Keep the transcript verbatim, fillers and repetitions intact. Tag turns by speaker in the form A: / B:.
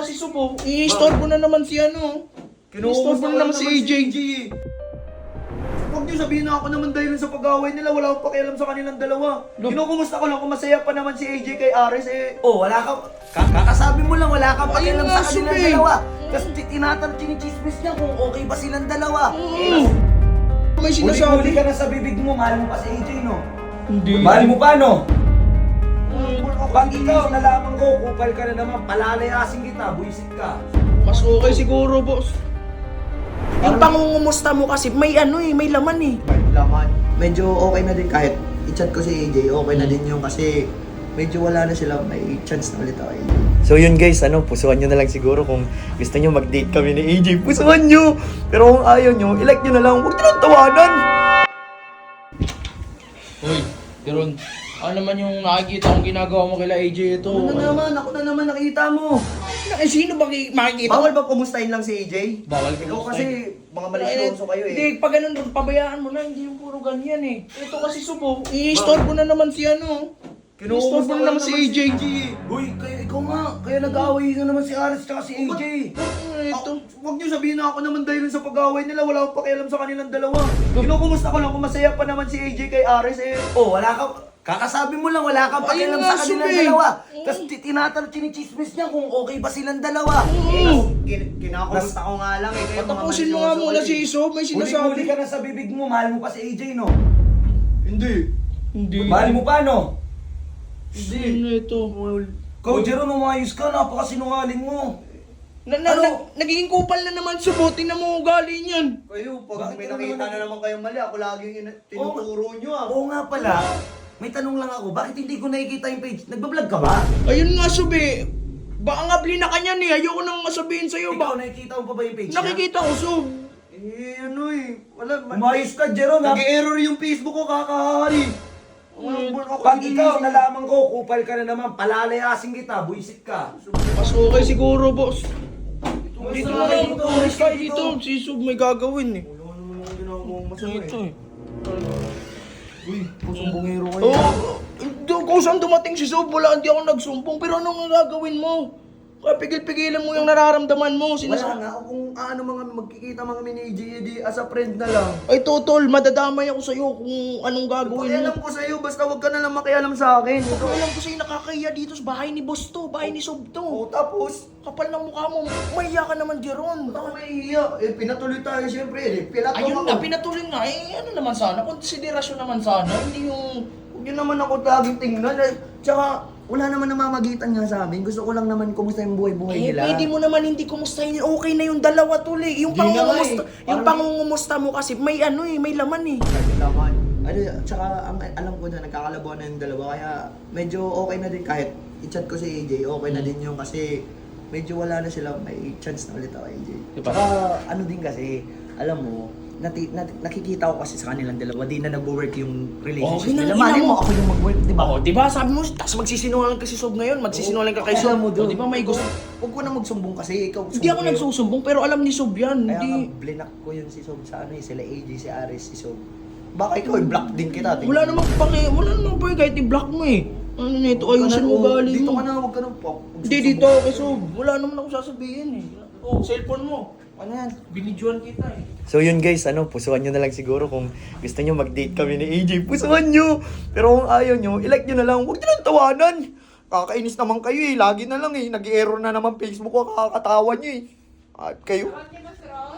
A: kasi Subo, i-istorbo na naman si ano. I-istorbo na naman si A J.
B: Huwag niyo sabihin na ako naman dahil sa pag-away nila, wala akong pakialam sa kanilang dalawa.
A: Look.
B: Kinukumusta ko lang kung masaya pa naman si A J kay Ares eh.
C: Oh, wala ka. ka- Kakasabi mo lang, wala kang
A: Ayun
C: pakialam
A: nga,
C: sa kanilang
A: Subi.
C: dalawa. Kasi tinatanong, chinichismis niya kung okay ba silang dalawa.
A: Mm. May
C: Huli-huli
A: sinasabi.
C: ka na sa bibig mo, mahal mo pa si A J, no?
A: Hindi.
C: Mahal mo pa, no?
A: Mm.
C: Pag ikaw, nalaman ko, kupal ka na naman, palalayasin kita, buisit ka.
A: Mas okay siguro, boss.
D: Yung pangungumusta mo kasi may ano eh, may laman eh.
B: May laman. Medyo okay na din kahit i-chat ko si A J, okay na din yung kasi medyo wala na sila, may chance na ulit ako.
E: So yun guys, ano, pusuan nyo na lang siguro kung gusto nyo mag-date kami ni A J, pusuan nyo! Pero kung ayaw nyo, ilike nyo na lang, huwag nyo lang tawanan!
A: Uy, Jeron, ano naman yung nakikita kong ginagawa mo kila A J ito?
B: Ano na naman, ako na naman nakita mo.
A: Eh, sino ba ki- makikita?
B: Bawal ba kumustahin lang si A J?
A: Bawal
B: Ikaw
A: kumustahin.
B: kasi mga malisyoso kayo eh.
A: Hindi, pag ganun, pabayaan mo na, hindi yung puro ganyan eh. Ito kasi Subo, i-istorbo na naman si ano. I-istorbo na naman si A J.
B: Uy, kayo, ikaw nga, kaya nag-away na naman si Ares tsaka si A J.
A: Ano ito?
B: Ah, Huwag niyo sabihin na ako naman dahil sa pag-away nila, wala akong pakialam sa kanilang dalawa. Kinukumusta ko lang kung masaya pa naman si A J kay Ares eh.
C: Oh, wala ka. Kakasabi mo lang, wala kang
A: Ayun
C: pakialam
A: nga,
C: sa kanilang
A: Subi.
C: dalawa. Tapos tinatanong, chinichismis niya kung okay ba silang dalawa.
A: Mm.
B: Kin- Kinakumusta ko nga lang eh. Kayo mga
A: Patapusin mo nga
B: malisyoso
A: muna
B: kayo
A: si
B: eh.
A: Isob, may
C: Huli-huli
A: sinasabi.
C: ka na sa bibig mo, mahal mo pa si A J, no?
B: Hindi.
A: Hindi.
C: Mahal mo pa, no?
B: Hindi.
A: Ano ito?
C: Ikaw, Jeron, umayos ka, napakasinungaling mo.
A: Na, na,
C: Ano?
A: na, nagiging kupal na naman Subo, tingnan mo ugali niyan.
B: Kayo, pag
C: Bakit
B: may
C: ka
B: nakita
C: naman-
B: na naman kayong mali, ako laging ina- tinuturo nyo ah.
C: Oo nga pala. May tanong lang ako, bakit hindi ko nakikita yung page? Nagbablog ka ba?
A: Ayun nga Subi, baka nga blina ka niyan eh, ayoko nang masabihin sa'yo
C: Ikaw,
A: ba?
C: nakikita mo pa ba yung page niya?
A: Nakikita ko Sub.
B: Eh, ano eh. Wala. ma-
C: Umayos ka, Jeron, ha?
B: Nag-error yung Facebook ko, kakahari.
A: Mm.
C: Pag ikaw, nalaman ko, kupal ka na naman, palalayasin kita, buisit ka.
A: Mas okay siguro boss.
C: Umayos
A: Dito
C: na
A: na
C: kayo
A: lang,
C: dito,
A: umalis
C: umayos
A: ka
C: ka
A: dito. Si Sub may gagawin eh.
B: Wala naman ako ginagawa masama
A: Ito
B: eh.
A: eh.
B: Uy, pusumbongero kayo.
A: Oo, oh, kung saan dumating si Sub, wala, hindi ako nagsumbong. Pero anong gagawin mo? Kaya pigil-pigilan mo yung nararamdaman mo.
B: Wala
A: Sinasa-
B: nga, kung ano mga magkikita mga mini G E D as a friend na lang.
A: Ay totol, madadamay ako sa'yo kung anong gagawin mo.
B: Pakialam ko sa'yo, basta wag ka na lang makialam sa akin.
A: Ikaw alam ko sa'yo nakakahiya dito sa bahay ni boss to, bahay ni Sub to.
B: O tapos,
A: Kapal ng mukha mo, mahiya ka naman, Jeron.
B: ako mahihiya. Eh, pinatuloy tayo siyempre. Eh, pilat
A: Ayun
B: ako.
A: na, pinatuloy nga. Eh, ano naman sana, konsiderasyon naman sana. Hindi yung...
B: Huwag yun naman ako laging tingnan. Eh, tsaka, wala naman namamagitan nga sa amin. Gusto ko lang naman kumusta yung buhay-buhay
A: Eh,
B: nila.
A: pwede mo naman hindi kumustahin. Okay na yung dalawa tuli. Yung
B: Di na nga
A: pangungumusta,
B: eh.
A: yung
B: Parang-
A: pangungumusta mo kasi may ano eh, may laman eh.
B: Laman. Ano, tsaka ang alam ko na nagkakalabuan na yung dalawa. Kaya medyo okay na din kahit i-chat ko si A J. Okay na din yung kasi medyo wala na sila. May chance na ulit ako A J.
A: Diba?
B: Tsaka ano din kasi, alam mo, nati, nati, nakikita ko kasi sa kanilang dalawa, di na nag-work yung relationship
A: Okay na,
B: nila.
A: ina
B: Mali
A: mo.
B: mo ako yung mag-work, di ba?
A: Oo, di ba? Sabi mo, tapos magsisinungaling ka si Sob ngayon, magsisinungaling ka kay
B: Alam
A: Sob.
B: mo doon.
A: O, di ba may gusto?
B: Huwag ko na magsumbong kasi ikaw.
A: Hindi ako nagsusumbong, pero alam ni Sob yan.
B: Kaya nga,
A: Hindi.
B: blinak ko yun si Sob sa ano eh, sila A J, si Ares, si Sob. Baka ikaw, i-block din kita. tingin.
A: Wala namang paki, wala namang paki kahit i-block mo eh. Ano nito,
B: Huwag ka
A: ayusin
B: na-
A: mo
B: oh,
A: galing
B: Dito
A: mo.
B: ka na, huwag ka na pop.
A: Hindi dito, kay Sob. Wala naman ako sasabihin eh. Oh, cellphone mo.
B: Ano yan?
A: Binidyoan kita eh.
E: So yun guys, ano, pusuan nyo na lang siguro kung gusto nyo mag-date kami ni A J, pusuan nyo! Pero kung ayaw nyo, ilike nyo na lang, huwag nyo lang tawanan! Kakainis naman kayo eh, lagi na lang eh, nag-error na naman Facebook ko, kakatawa nyo eh. At kayo,